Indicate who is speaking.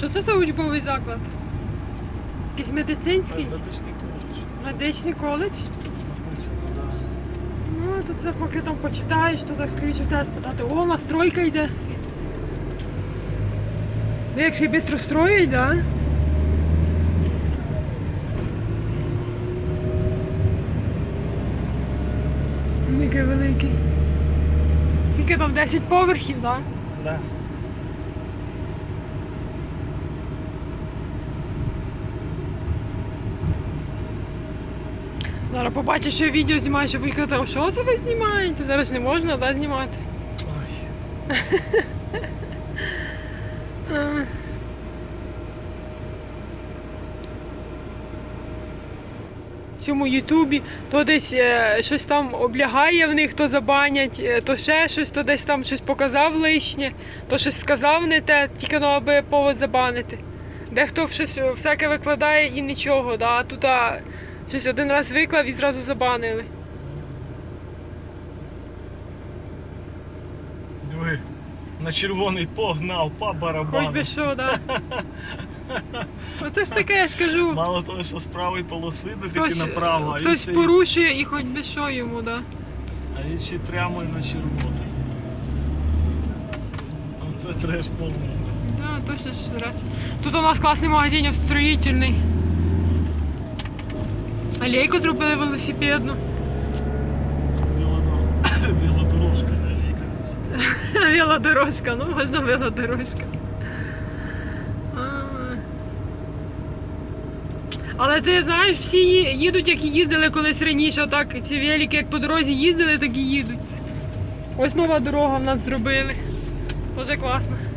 Speaker 1: Що це за учбовий заклад? Якийсь медицинський?
Speaker 2: Медичний коледж.
Speaker 1: Медичний коледж?
Speaker 2: Написано, так.
Speaker 1: Ну, то це поки там почитаєш, то так скоріше в тебе спитати. О, настройка йде. Ну, якщо і швидко строїть, так? Да? Який великий. Тільки там 10 поверхів, так? Да?
Speaker 2: Да.
Speaker 1: Зараз побачиш, що я відео знімаю, щоб їх казав, що це ви знімаєте? Зараз не можна, да, знімати.
Speaker 2: Ой.
Speaker 1: В цьому Ютубі то десь щось там облягає в них, то забанять, то ще щось, то десь там щось показав лишнє, то щось сказав не те, тільки ну, аби повод забанити. Дехто щось всяке викладає і нічого, да? А тут щось один раз виклав і зразу забанили.
Speaker 2: Диви, на червоний погнав, по барабану.
Speaker 1: Хоч би що, да. Оце ж таке, я ж кажу.
Speaker 2: Мало того, що з правої полоси, так і направо.
Speaker 1: Хтось порушує і хоч би що йому, да.
Speaker 2: А він ще прямо і на червоний. Оце треш повний.
Speaker 1: Да, точно ж раз. Тут у нас класний магазин строїтельний. Алейку зробили велосипедну.
Speaker 2: Велодорожка, не алейка велосипедна.
Speaker 1: Велодорожка, ну можна велодорожка. Але ти знаєш, всі їдуть, як і їздили колись раніше, отак ці велики, як по дорозі їздили, так і їдуть. Ось нова дорога в нас зробили. Дуже класно.